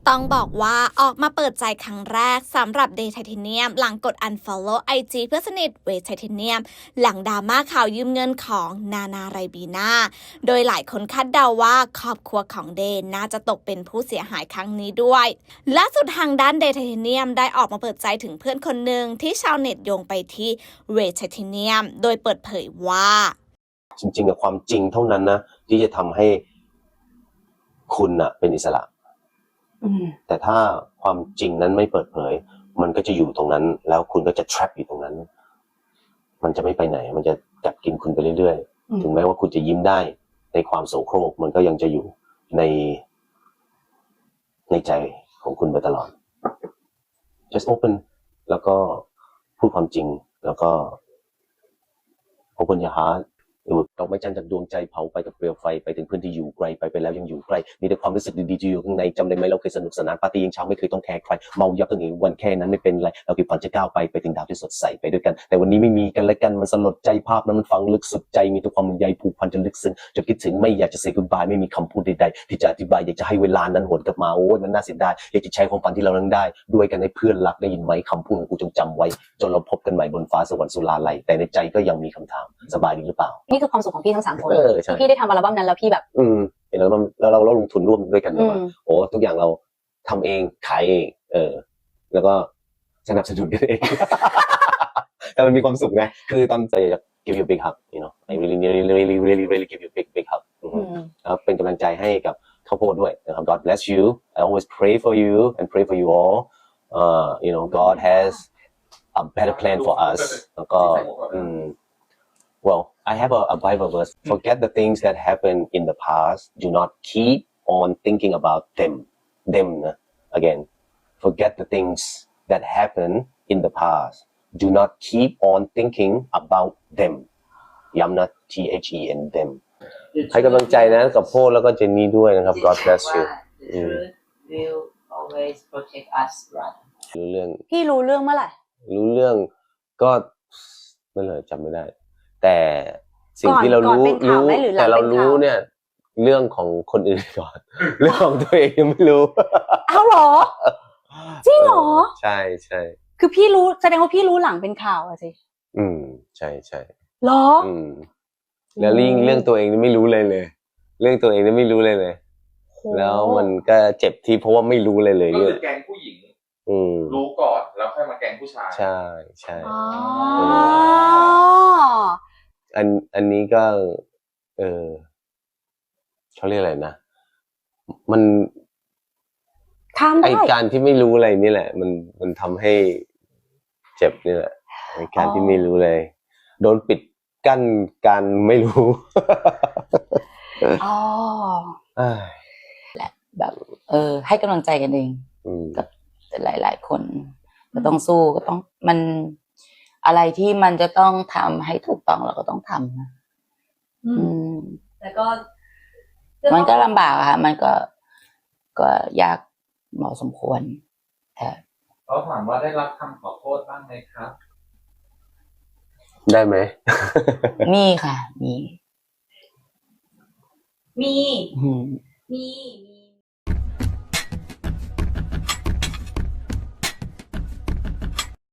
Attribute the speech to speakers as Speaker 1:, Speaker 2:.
Speaker 1: ต้องบอกว่าออกมาเปิดใจครั้งแรกสำหรับเดย์ไทเทเนียมหลังกด unfollow IG เพื่อนสนิทเวย์ไทเทเนียมหลังดราม่าข่าวยืมเงินของนานาไรบีนาโดยหลายคนคาดเดาว่าครอบครัวของเดย์น่าจะตกเป็นผู้เสียหายครั้งนี้ด้วยล่าสุดทางด้านเดย์ไทเทเนียมได้ออกมาเปิดใจถึงเพื่อนคนหนึ่งที่ชาวเน็ตโยงไปที่เวย์ไทเทเนียมโดยเปิดเผยว่า
Speaker 2: จริงๆกับความจริงเท่านั้นนะที่จะทำให้คุณน่ะเป็นอิสระแต่ถ้าความจริงนั้นไม่เปิดเผยมันก็จะอยู่ตรงนั้นแล้วคุณก็จะ trap อยู่ตรงนั้นมันจะไม่ไปไหนมันจะกัดกินคุณไปเรื่อยๆถึงแม้ว่าคุณจะยิ้มได้ในความโศโครกมันก็ยังจะอยู่ในใจของคุณไปตลอด just open แล้วก็พูดความจริงแล้วก็ open your heartดอกไม้จันทร์จากดวงใจเผาไปกับเปลวไฟไปถึงพื้นที่อยู่ไกลไปแล้วยังอยู่ใกล้มีแต่ความรู้สึกดีๆอยู่ข้างในจำได้ไหมเราเคยสนุกสนานปาร์ตี้ยังเช้าไม่เคยต้องแคร์ใครเมายับตั้งแต่วันแค่นั้นไม่เป็นไรเราคิดฝันจะก้าวไปถึงดาวที่สดใสไปด้วยกันแต่วันนี้ไม่มีกันและกันมันสลดใจภาพนั้นมันฝังลึกสุดใจมีแต่ความใยผูกพันจนลึกซึ้งจนคิดถึงไม่อยากจะ say goodbye ไม่มีคำพูดใดๆที่จะอธิบายอยากจะให้เวลานั้นหวนกลับมาโอ้ยมันน่าเสียดายอยากจะใช้ความฝันที่เรานั้นได้ด้วยกันให้เพื่อนรักได้ยินไหมคำพูดของกูจงจำไว้จนเราพบกันใหม่บนฟ้าสวรรค์สุราลัยแต่ในใจก็ยังมีคำถามสบายดีหรือเปล่า
Speaker 3: นี่คือความสุขของพี่ทั้ง3คน
Speaker 2: ที่
Speaker 3: พี่ได้ทำอัลบั้มนั้นแล้วพี่แบบ
Speaker 2: เห็นแล้วเราลงทุนร่วมด้วยกันว่าโอ้ทุกอย่างเราทำเองขายเองแล้วก็สนับสนุนกันเองแต่มันมีความสุขไงคือตอนใจจะ give you a big hug you know I really give you a big hug ครับเป็นกำลังใจให้กับข้าวโพดด้วยนะครับ God bless you I always pray for you and pray for you all you know God has a better plan for us แล้วก็well I have a Bible verse forget the things that happened in the past do not keep on thinking about them นะ again forget the things that happened in the past do not keep on thinking about them ย้ำนะ THEN them ให้กำลังใจนะกับโพดแล้วก็เจนนี่ด้วยนะครับ God bless you
Speaker 4: The truth will always protect us brother
Speaker 2: รู้เรื่อง
Speaker 3: พี่รู้เรื่องเมื่อไหร่
Speaker 2: รู้เรื่องก็ไม่เลยจำไม่ได้แต่สิ่งที่เรารู้แต่เรารู้เนี่ยเรื่องของคนอื่นก่อนเรื่องของตัวเองยังไม่รู้
Speaker 3: อ้าวเหรอจริงเหรอ
Speaker 2: ใช่ใช่
Speaker 3: คือพี่รู้แสดงว่าพี่รู้หลังเป็นข่าวอะสิ
Speaker 2: ใช่ใช่
Speaker 3: เหรอ
Speaker 2: แล้วเรื่องตัวเองนี่ไม่รู้เลยเรื่องตัวเองนี่ไม่รู้เลยแล้วมันก็เจ็บที่เพราะว่าไม่รู้เลย
Speaker 5: ก็คือแกงผู้หญิงรู้ก่อนแล้วค่อยมาแกงผู้ชาย
Speaker 2: ใช่ใช่อันนี้ก็เขาเรียกอะไรนะมันไอการที่ไม่รู้อะไรนี่แหละมันทำให้เจ็บนี่แหละไอการที่ไม่รู้เลยโดนปิดกั้นการไม่รู้
Speaker 3: และแบบให้กำลังใจกันเองกับหลายๆคนก็ต้องสู้ก็ต้องมันอะไรที่มันจะต้องทำให้ถูกต้องเราก็ต้องทำนะ
Speaker 4: แต่ก็
Speaker 3: มันก็ลำบากค่ะมันก็ยากเหมาะสมควรแต่
Speaker 5: เขาถามว่าได้รับคำขอโทษบ้างไหมครับ
Speaker 2: ได้ไหม
Speaker 3: มีค่ะมี